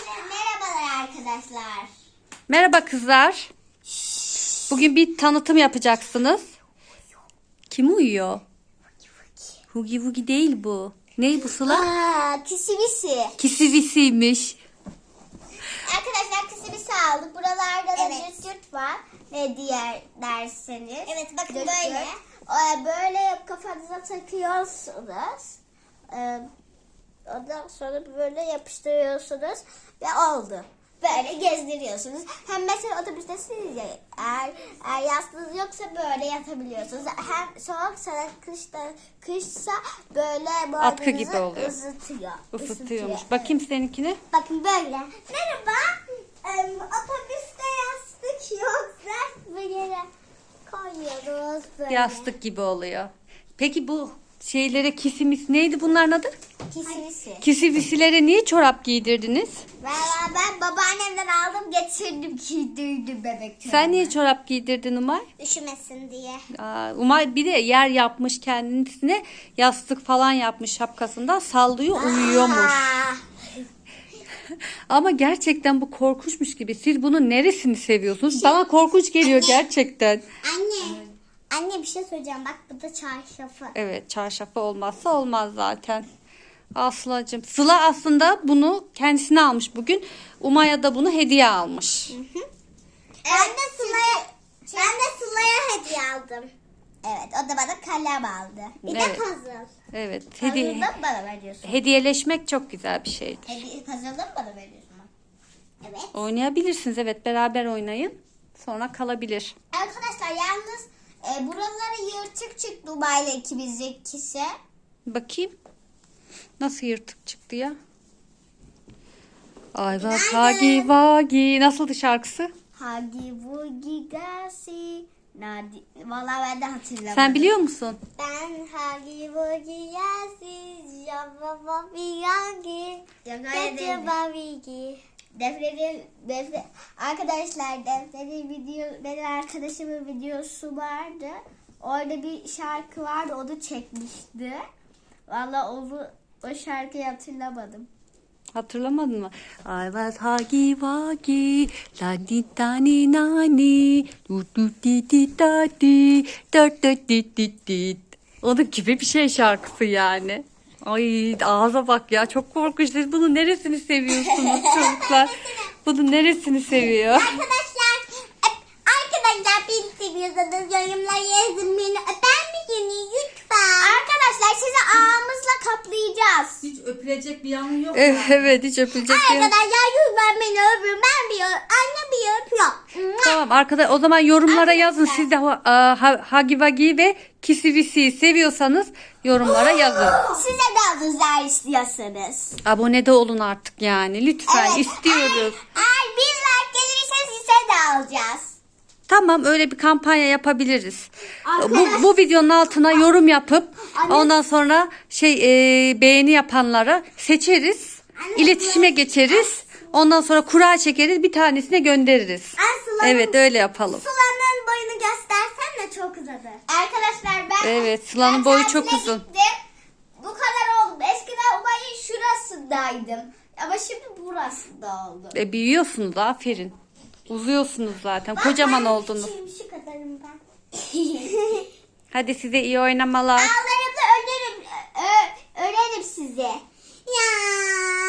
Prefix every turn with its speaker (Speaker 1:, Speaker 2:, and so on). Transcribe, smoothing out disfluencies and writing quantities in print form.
Speaker 1: Merhabalar arkadaşlar.
Speaker 2: Merhaba kızlar. Bugün bir tanıtım yapacaksınız. Kim uyuyor? Hugi Wugi değil bu. Ney bu Sıla?
Speaker 1: Kisivisi.
Speaker 2: Kisivisiymiş.
Speaker 1: Arkadaşlar kisivisi aldık. Buralarda da cırt var. Ne diğer derseniz. Evet bakın
Speaker 2: Cırt
Speaker 1: böyle. Böyle kafanıza takıyorsunuz. Ondan sonra böyle yapıştırıyorsunuz ve oldu. Böyle gezdiriyorsunuz. Hem mesela otobüstesiniz ya, eğer yastığınız yoksa böyle yatabiliyorsunuz. Hem soğuksa kışsa böyle
Speaker 2: Atkı gibi
Speaker 1: boynunuzu
Speaker 2: oluyor. Isıtıyormuş. Bakayım seninkine.
Speaker 1: Bakın böyle. Merhaba. Otobüste yastık yoksa böyle koyuyoruz böyle.
Speaker 2: Yastık gibi oluyor. Peki bu şeylere kisimis neydi bunların adı?
Speaker 1: Kisivisi.
Speaker 2: Kisivisilere niye çorap giydirdiniz?
Speaker 1: Ben babaannemden aldım getirdim giydirdim bebek
Speaker 2: Sen niye çorap giydirdin Umay?
Speaker 1: Üşümesin diye.
Speaker 2: Umay bir de yer yapmış kendisine, yastık falan yapmış şapkasından, sallıyor, uyuyormuş. Ama gerçekten bu korkunçmuş gibi. Siz bunun neresini seviyorsunuz? Bana korkunç geliyor gerçekten.
Speaker 1: Anne bir şey söyleyeceğim. Bak bu da çarşafı.
Speaker 2: Evet, çarşafı olmazsa olmaz zaten. Aslacığım. Sıla aslında bunu kendisine almış bugün. Umay'a da bunu hediye almış.
Speaker 1: Ben de Sıla'ya hediye aldım. Evet, o da bana kalem aldı. Bir de
Speaker 2: Evet.
Speaker 1: puzzle.
Speaker 2: Evet.
Speaker 1: Puzzle'ı da bana veriyorsun.
Speaker 2: Hediyeleşmek çok güzel bir şeydir.
Speaker 1: Puzzle'ı mı bana veriyorsun? Evet.
Speaker 2: Oynayabilirsiniz. Evet, beraber oynayın. Sonra kalabilir.
Speaker 1: Arkadaşlar yalnız buraları yırtık çıktı Dubay'la ikimizdekisi.
Speaker 2: Bakayım. Nasıl yırtık çıktı ya? Ay bak Hagi Wagi. Nasıldı şarkısı?
Speaker 1: Hagi Wugi Gasi. Vallahi ben de hatırlamadım.
Speaker 2: Sen biliyor musun?
Speaker 1: Ben Hagi Wugi Gasi. Java Vigangi. Defne'nin arkadaşlar benim arkadaşımın videosu vardı. Orada bir şarkı vardı, onu çekmişti. Vallahi o şarkıyı hatırlamadım.
Speaker 2: Hatırlamadın mı? I was Hagi Wagi, la di da ni na ni, du du di di da di, da da di di di. Onun gibi bir şey şarkısı yani. Ay ağza bak ya, çok korkunç. Siz bunun neresini seviyorsunuz çocuklar? Bunun neresini seviyor?
Speaker 1: Arkadaşlar beni seviyorsanız yorumlara yazın, beni öper misiniz lütfen? Arkadaşlar sizi ağımızla kaplayacağız.
Speaker 2: Hiç öpülecek bir yanı yok. Evet, hiç öpülecek bir yanı.
Speaker 1: Arkadaşlar lütfen beni öpün, annem bir öpüyor.
Speaker 2: Tamam arkadaşlar, o zaman yorumlara yazın. Siz de Hagi Wagi ve Kisivisi'yi seviyorsanız yorumlara yazın.
Speaker 1: Size de özel istiyorsanız.
Speaker 2: Abone de olun artık yani. Lütfen
Speaker 1: Evet,
Speaker 2: istiyoruz.
Speaker 1: Eğer 1000 like gelirse size de alacağız.
Speaker 2: Tamam, öyle bir kampanya yapabiliriz.
Speaker 1: Arkadaş-
Speaker 2: Bu videonun altına yorum yapıp
Speaker 1: Anne-
Speaker 2: ondan sonra beğeni yapanlara seçeriz. İletişime geçeriz. Ondan sonra kura çekeriz, bir tanesine göndeririz. Evet, öyle yapalım.
Speaker 1: Sıla'nın boyunu göstersen de çok uzadı. Arkadaşlar ben
Speaker 2: Evet, Sıla'nın boyu çok
Speaker 1: tatile
Speaker 2: uzun.
Speaker 1: gittim. Bu kadar oldum. Eskiden Ubay'ın şurasındaydım. Ama şimdi burasında oldu.
Speaker 2: Büyüyorsunuz, aferin. Uzuyorsunuz zaten. Kocaman oldunuz.
Speaker 1: Şu kadarım ben.
Speaker 2: Hadi size iyi oynamalar.
Speaker 1: Ağlarımda örerim sizi. Ya.